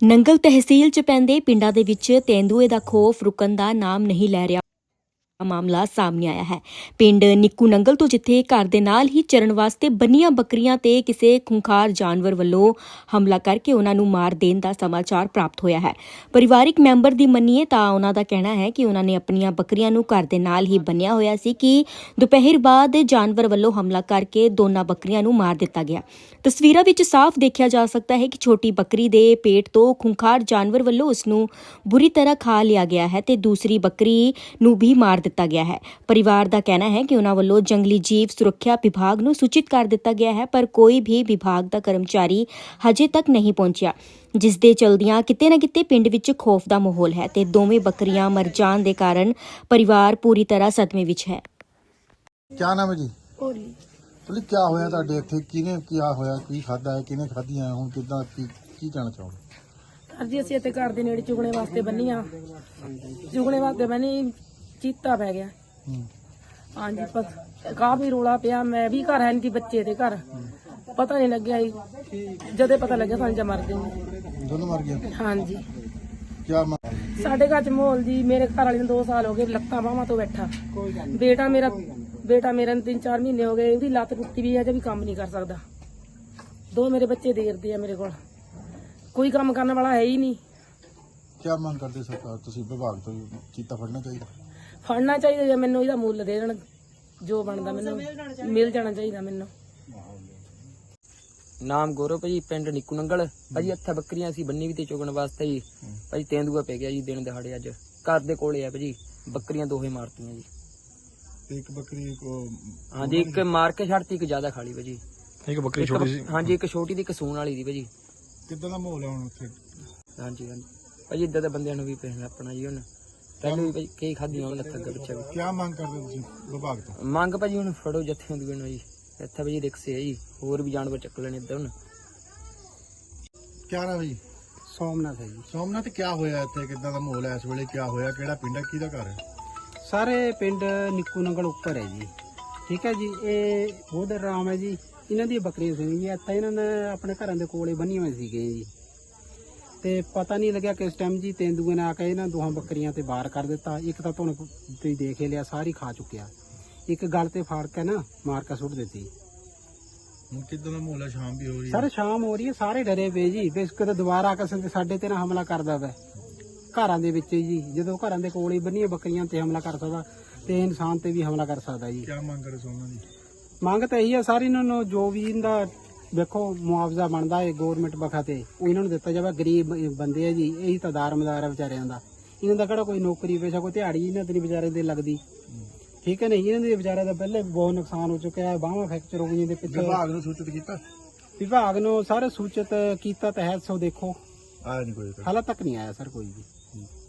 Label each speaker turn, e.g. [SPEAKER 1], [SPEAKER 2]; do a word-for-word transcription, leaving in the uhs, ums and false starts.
[SPEAKER 1] ਨੰਗਲ ਤਹਿਸੀਲ ਚ ਪੈਂਦੇ ਪਿੰਡਾਂ ਦੇ ਵਿੱਚ ਤੇਂਦੂਏ ਦਾ ਖੌਫ ਰੁਕਣ ਦਾ ਨਾਮ ਨਹੀਂ ਲੈ ਰਿਹਾ। ਮਾਮਲਾ ਸਾਹਮਣੇ ਆਇਆ ਹੈ। ਪਿੰਡ ਨਿੱਕੂ ਨੰਗਲ ਤੋਂ ਜਿੱਥੇ ਘਰ ਦੇ ਨਾਲ ਹੀ ਚਰਨ ਵਾਸਤੇ ਬੰਨੀਆਂ ਬੱਕਰੀਆਂ ਤੇ ਕਿਸੇ ਖੁੰਖਾਰ ਜਾਨਵਰ ਵੱਲੋਂ ਹਮਲਾ ਕਰਕੇ ਉਹਨਾਂ ਨੂੰ ਮਾਰ ਦੇਣ ਦਾ ਸਮਾਚਾਰ ਪ੍ਰਾਪਤ ਹੋਇਆ ਹੈ। ਪਰਿਵਾਰਿਕ ਮੈਂਬਰ ਦੀ ਮੰਨੀਏ ਤਾਂ ਉਹਨਾਂ ਦਾ ਕਹਿਣਾ ਹੈ ਕਿ ਉਹਨਾਂ ਨੇ ਆਪਣੀਆਂ ਬੱਕਰੀਆਂ ਨੂੰ ਘਰ ਦੇ ਨਾਲ ਹੀ ਬੰਨਿਆ ਹੋਇਆ ਸੀ ਕਿ ਦੁਪਹਿਰ ਬਾਅਦ ਜਾਨਵਰ ਵੱਲੋਂ ਹਮਲਾ ਕਰਕੇ ਦੋਨਾਂ ਬੱਕਰੀਆਂ ਨੂੰ ਮਾਰ ਦਿੱਤਾ ਗਿਆ। ਤਸਵੀਰਾਂ ਵਿੱਚ ਸਾਫ਼ ਦੇਖਿਆ ਜਾ ਸਕਦਾ ਹੈ ਕਿ ਛੋਟੀ ਬੱਕਰੀ ਦੇ ਪੇਟ ਤੋਂ ਖੁੰਖਾਰ ਜਾਨਵਰ ਵੱਲੋਂ ਉਸ ਨੂੰ ਬੁਰੀ ਤਰ੍ਹਾਂ ਖਾ ਲਿਆ ਗਿਆ ਹੈ ਤੇ ਦੂਸਰੀ ਬੱਕਰੀ ਨੂੰ ਵੀ ਮਾਰ ਦਿੱਤਾ ਗਿਆ ਹੈ। ਪਰਿਵਾਰ ਦਾ ਕਹਿਣਾ ਹੈ ਕਿ ਉਹਨਾਂ ਵੱਲੋਂ ਜੰਗਲੀ ਜੀਵ ਸੁਰੱਖਿਆ ਵਿਭਾਗ ਨੂੰ ਸੂਚਿਤ ਕਰ ਦਿੱਤਾ ਗਿਆ ਹੈ, ਪਰ ਕੋਈ ਵੀ ਵਿਭਾਗ ਦਾ ਕਰਮਚਾਰੀ ਹਜੇ ਤੱਕ ਨਹੀਂ ਪਹੁੰਚਿਆ, ਜਿਸ ਦੇ ਚਲਦਿਆਂ ਕਿਤੇ ਨਾ ਕਿਤੇ ਪਿੰਡ ਵਿੱਚ ਖੌਫ ਦਾ ਮਾਹੌਲ ਹੈ ਤੇ ਦੋਵੇਂ ਬੱਕਰੀਆਂ ਮਰ ਜਾਣ ਦੇ ਕਾਰਨ ਪਰਿਵਾਰ ਪੂਰੀ ਤਰ੍ਹਾਂ ਸਦਮੇ ਵਿੱਚ ਹੈ।
[SPEAKER 2] क्या नाम है जी?
[SPEAKER 3] ਹੋਲੀ
[SPEAKER 2] बोले क्या होया ਤੁਹਾਡੇ ਇੱਥੇ ਕਿਹਨੇ क्या ਹੋਇਆ ਕੀ ਖਾਦਾ ਹੈ ਕਿਹਨੇ ਖਾਧੀਆਂ ਹੁਣ ਕਿਦਾਂ ਕੀ ਕੀ ਕਹਿਣਾ ਚਾਹੋਗੇ?
[SPEAKER 3] ਅੱਜ ਅਸੀਂ ਇੱਥੇ ਘਰ ਦੇ ਨੇੜੇ ਚੁਗਣੇ ਵਾਸਤੇ ਬੰਨੀਆਂ ਚੁਗਣੇ ਵਾਸਤੇ ਬੰਨੀ ਚੀਤਾ ਪੈ ਗਿਆ।
[SPEAKER 2] ਹੂੰ
[SPEAKER 3] ਹਾਂਜੀ ਪਤ ਕਾਫੀ ਰੋਲਾ ਪਿਆ। ਮੈਂ ਵੀ ਘਰ ਹੈ ਨਹੀਂ ਸੀ, ਬੱਚੇ ਦੇ ਘਰ ਪਤਾ ਨਹੀਂ ਲੱਗਿਆ ਜੀ। ਜਦੇ ਪਤਾ ਲੱਗਿਆ ਸਾਨੂੰ ਜਾਂ ਮਰ ਗਏ।
[SPEAKER 2] ਦੋਨੋਂ ਮਰ ਗਏ।
[SPEAKER 3] ਹਾਂਜੀ
[SPEAKER 2] क्या
[SPEAKER 3] ਸਾਡੇ ਘਰ ਚ ਮਾਹੌਲ ਜੀ, ਮੇਰੇ ਘਰ ਵਾਲੇ ਨੂੰ ਦੋ ਸਾਲ ਹੋ ਗਏ ਲੱਤਾਂ ਬਾਹਾਂ ਤੋਂ ਬੈਠਾ। ਬੇਟਾ ਮੇਰਾ ਬੇਟਾ ਮੇਰੇ ਨੂੰ ਤਿੰਨ ਚਾਰ ਮਹੀਨੇ ਹੋ ਗਏ, ਉਹਦੀ ਲੱਤ ਟੁੱਟੀ ਵੀ ਹੈ, ਅਜੇ ਵੀ ਕੰਮ ਨਹੀਂ ਕਰ ਸਕਦਾ। ਦੋ ਮੇਰੇ ਬੱਚੇ ਦੇਰਦੇ ਆ ਮੇਰੇ ਕੋਲ, ਕੋਈ ਕੰਮ ਕਰਨ ਵਾਲਾ ਹੈ ਹੀ ਨਹੀਂ।
[SPEAKER 2] क्या ਮੰਗ ਕਰਦੇ ਸਰਕਾਰ ਤੁਸੀਂ ਵਿਭਾਗ ਤੋਂ ਚੀਤਾ ਫੜਨਾ ਚਾਹੀਦਾ?
[SPEAKER 3] ਫੜਨਾ ਚਾਹੀਦਾ ਜਾਂ ਮੈਨੂੰ ਇਹਦਾ ਮੁੱਲ ਦੇ ਦੇਣ, ਜੋ ਬਣਦਾ ਮੈਨੂੰ ਮਿਲ ਜਾਣਾ ਚਾਹੀਦਾ ਮੈਨੂੰ।
[SPEAKER 4] ਨਾਮ ਗੌਰਵ ਭਾਜੀ, ਪਿੰਡ ਨਿੱਕੂ ਨੰਗਲ ਭਾਜੀ। ਇੱਥੇ ਬੱਕਰੀਆਂ ਸੀ ਬੰਨੀ ਵੀ ਤੇ ਚੁਗਣ ਵਾਸਤੇ ਜੀ ਭਾਜੀ। ਤੇਂਦੂਆ ਪੈ ਗਿਆ ਜੀ ਦਿਨ ਦਿਹਾੜੇ, ਅੱਜ ਘਰ ਦੇ ਕੋਲੇ ਆ ਭਾਜੀ। ਬੱਕਰੀਆਂ ਦੋਹੇ ਮਾਰਤੀਆਂ ਜੀ।
[SPEAKER 2] ਇੱਕ ਬੱਕਰੀ ਕੋ
[SPEAKER 4] ਹਾਂਜੀ ਇੱਕ ਮਾਰ ਕੇ ਛੱਡਤੀ, ਇੱਕ ਜ਼ਿਆਦਾ ਖਾਲੀ ਭਾਜੀ।
[SPEAKER 2] ਇੱਕ ਬੱਕਰੀ
[SPEAKER 4] ਇੱਕ- ਹਾਂਜੀ ਇੱਕ ਛੋਟੀ ਦੀ ਇੱਕ ਸੂਣ ਵਾਲੀ ਦੀ ਭਾਜੀ।
[SPEAKER 2] ਕਿੱਦਾਂ ਦਾ ਮਾਹੌਲ ਹੈ ਹੁਣ ਉੱਥੇ?
[SPEAKER 4] ਹਾਂਜੀ ਹਾਂਜੀ ਭਾਜੀ ਇੱਦਾਂ ਦੇ ਬੰਦਿਆਂ ਨੂੰ ਵੀ ਪਹਿਲਾਂ ਆਪਣਾ ਜੀ ਹੁਣ ਪਹਿਲਾਂ ਵੀ ਭਾਜੀ ਕਈ ਖਾਧੀਆਂ ਉਹਨਾਂ ਥੱਗਾ ਪਿੱਛੇ ਵੀ।
[SPEAKER 2] ਕੀ ਮੰਗ ਕਰਦੇ ਤੁਸੀਂ ਵਿਭਾਗ ਤੋਂ?
[SPEAKER 4] ਮੰਗ ਭਾਜੀ ਹੁਣ ਫੜੋ ਜੱਥੇ ਹੁੰਦੀ ਨੂੰ ਜੀ। ਇੱਥੇ ਭਾਜੀ ਰਿਕਸ ਹੈ ਜੀ, ਹੋਰ ਵੀ ਜਾਨਵਰ ਚੱਕ ਲੈਣੇ ਇੱਦਾਂ ਹੁਣ।
[SPEAKER 2] क्या नाम है जी?
[SPEAKER 5] ਸੋਮਨਾਥ ਹੈ ਜੀ।
[SPEAKER 2] ਸੋਮਨਾਥ ਕੀ ਹੋਇਆ ਇੱਥੇ ਕਿੱਦਾਂ ਦਾ ਮਾਹੌਲ ਹੈ ਇਸ ਵੇਲੇ? ਕੀ ਹੋਇਆ? ਕਿਹੜਾ ਪਿੰਡ ਹੈ? ਕਿਹਦਾ ਘਰ ਹੈ?
[SPEAKER 5] ਸਾਰੇ ਪਿੰਡ ਨਿੱਕੂ ਨੰਗਲ ਉੱਪਰ ਹੈ ਜੀ। ਠੀਕ ਹੈ ਜੀ। ਇਹ ਬੋਧਰ ਰਾਮ ਹੈ ਜੀ। ਇਹਨਾਂ ਦੀ ਬੱਕਰੀਆਂ ਸੀ ਜੀ। ਇੱਥੇ ਇਹਨਾਂ ਨੇ ਆਪਣੇ ਘਰਾਂ ਦੇ ਕੋਲੇ ਬੰਨੀਆਂ ਹੋਈਆਂ ਸੀਗੀਆਂ ਜੀ, ਤੇ ਪਤਾ ਨਹੀਂ ਲੱਗਿਆ ਕਿਸ ਟਾਈਮ ਜੀ ਤੇਂਦੂਏ ਨੇ ਆ ਕੇ ਇਹਨਾਂ ਦੋਹਾਂ ਬੱਕਰੀਆਂ ਤੇ ਵਾਰ ਕਰ ਦਿੱਤਾ। ਇੱਕ ਤਾਂ ਤੁਹਾਨੂੰ ਤੁਸੀਂ ਦੇਖ ਹੀ ਲਿਆ, ਸਾਰੀ ਖਾ ਚੁੱਕਿਆ। ਇੱਕ ਗਲ ਤੇ ਫਾੜ ਕੇ ਨਾ ਮਾਰ ਕੇ ਸੁੱਟ ਦਿੱਤੀ।
[SPEAKER 2] ਹੁਣ ਕਿੱਦਾਂ ਦਾ ਮਾਹੌਲ ਹੈ? ਸ਼ਾਮ ਵੀ ਹੋ ਰਹੀ ਹੈ।
[SPEAKER 5] ਸਾਰੇ ਸ਼ਾਮ ਹੋ ਰਹੀ ਹੈ, ਸਾਰੇ ਡਰੇ ਪਏ ਜੀ ਵੀ ਕਿਤੇ ਦੁਬਾਰਾ ਆ ਕੇ ਸਾਡੇ ਤੇ ਨਾ ਹਮਲਾ ਕਰਦਾ ਵਾ ਘਰਾਂ ਦੇ ਵਿੱਚ ਜੀ। ਜਦੋਂ ਘਰਾਂ ਦੇ ਕੋਲ ਹੀ ਬੰਨੀਆਂ ਬੱਕਰੀਆਂ ਤੇ ਹਮਲਾ ਕਰ ਸਕਦਾ ਤੇ ਇਨਸਾਨ ਤੇ ਵੀ ਹਮਲਾ ਕਰ ਸਕਦਾ ਜੀ।
[SPEAKER 2] ਕੀ ਮੰਗ ਕਰਦੇ ਸੋਮਨਾਥ ਜੀ?
[SPEAKER 5] ਮੰਗ ਤਾਂ ਇਹੀ ਹੈ ਸਾਰੀ ਇਹਨਾਂ ਨੂੰ ਜੋ ਵੀ ਇਹਦਾ ਵੇਖੋ ਮੁਆਵਜ਼ਾ ਬਣਦਾ ਹੈ ਗੌਰਮੈਂਟ ਬਖਾ ਤੇ ਉਹ ਇਹਨਾਂ ਨੂੰ ਦਿੱਤਾ ਜਾਵੇ। ਗਰੀਬ ਬੰਦੇ ਆ ਜੀ, ਇਹੀ ਤਾਂ ਦਾਰਮਦਾਰ ਆ ਵਿਚਾਰਿਆਂ ਦਾ। ਇਹਨਾਂ ਦਾ ਕਿਹੜਾ ਕੋਈ ਨੌਕਰੀ ਪੇਸ਼ਾ, ਕੋਈ ਦਿਹਾੜੀ ਇਹਨਾਂ ਤੇ ਨਹੀਂ ਵਿਚਾਰੇ ਦੇ ਲੱਗਦੀ। ਠੀਕ ਹੈ ਨਹੀਂ, ਇਹਨਾਂ ਦੇ ਵਿਚਾਰਿਆਂ ਦਾ ਪਹਿਲੇ ਬਹੁਤ ਨੁਕਸਾਨ ਹੋ ਚੁੱਕਿਆ ਹੈ। ਬਾਹਾਂ ਫ੍ਰੈਕਚਰ ਹੋ ਗਈਆਂ ਦੇ ਪਿੱਛੇ।
[SPEAKER 2] ਵਿਭਾਗ ਨੂੰ ਸੂਚਿਤ ਕੀਤਾ?
[SPEAKER 5] ਵਿਭਾਗ ਨੂੰ ਸਾਰੇ ਸੂਚਿਤ ਕੀਤਾ ਤਾਂ ਹੈ, ਸੋ ਦੇਖੋ
[SPEAKER 2] ਆਇਆ ਨਹੀਂ ਕੋਈ?
[SPEAKER 5] ਹਾਲੇ ਤੱਕ ਨਹੀਂ ਆਇਆ ਸਰ ਕੋਈ ਵੀ।